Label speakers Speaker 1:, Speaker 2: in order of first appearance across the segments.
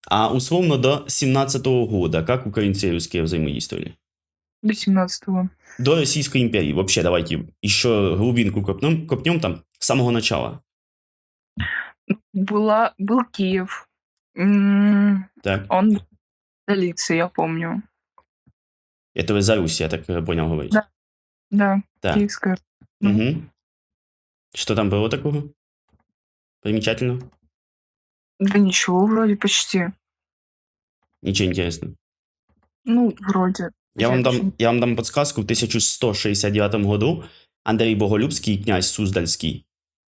Speaker 1: А условно до 17-го года, как украинцы и русские взаимодействовали?
Speaker 2: До 17-го.
Speaker 1: До Российской империи. Вообще, давайте еще глубинку копнем там с самого начала.
Speaker 2: Был Киев.
Speaker 1: Так.
Speaker 2: Он столица, я помню.
Speaker 1: Это вы за Русь, я так понял, говорите.
Speaker 2: Да,
Speaker 1: Так.
Speaker 2: Киевская.
Speaker 1: Угу. Что там было такого? Примечательно?
Speaker 2: Да ничего, вроде почти.
Speaker 1: Ничего интересного.
Speaker 2: Ну, вроде.
Speaker 1: Я вам дам подсказку. В 1169 году Андрей Боголюбский, князь Суздальский,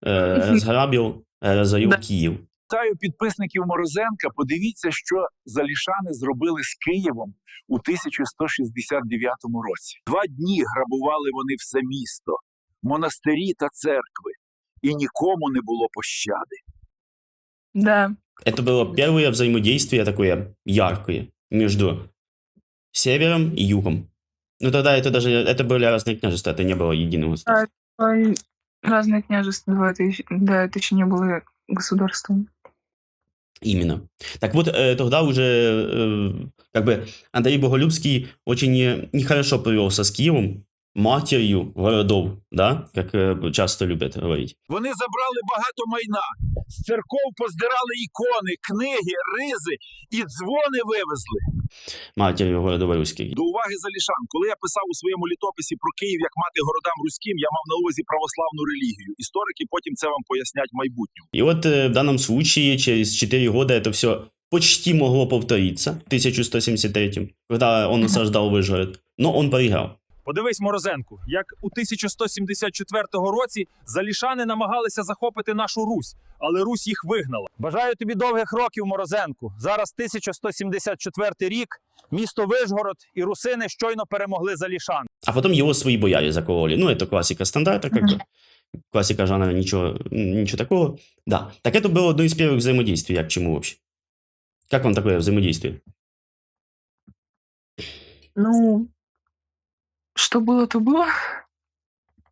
Speaker 1: разорил
Speaker 2: Да.
Speaker 1: Київ.
Speaker 3: Вітаю підписників Морозенка. Подивіться, що залішани зробили з Києвом у 1169 році. 2 дні грабували вони все місто, монастирі та церкви, і нікому не було пощади.
Speaker 2: Да.
Speaker 1: Это было первое взаимодействие такое яркое между севером и югом. Ну тогда это были разные княжества, это не было единого государства.
Speaker 2: Разные княжества, это еще не было государством.
Speaker 1: Именно. Так вот, тогда уже как бы Андрей Боголюбский очень нехорошо повелся с Киевом, матерью городов, да, как часто любят говорить.
Speaker 3: Вони забрали багато майна, з церков поздирали ікони, книги, ризи і дзвони вивезли.
Speaker 1: Матерью городов руських.
Speaker 3: До уваги залішан, коли я писав у своєму літописі про Київ як мати городам руським, я мав на увазі православну релігію. Історики потім це вам пояснять в майбутньому.
Speaker 1: И вот в данном случае через 4 года это все почти могло повториться в 1173, когда он осаждал Вышгород, но он проиграл.
Speaker 4: Подивись, Морозенку, як у 1174 році залішани намагалися захопити нашу Русь, але Русь їх вигнала. Бажаю тобі довгих років, Морозенку. Зараз 1174 рік, місто Вишгород і русини щойно перемогли залішан.
Speaker 1: А потом его свои бояре закололи. Ну, это классика стандарта, как бы. Классика жанра, ничего такого. Да. Так это было одно из первых взаимодействий. Я к чему вообще? Как вам такое взаимодействие?
Speaker 2: Ну, что было, то было.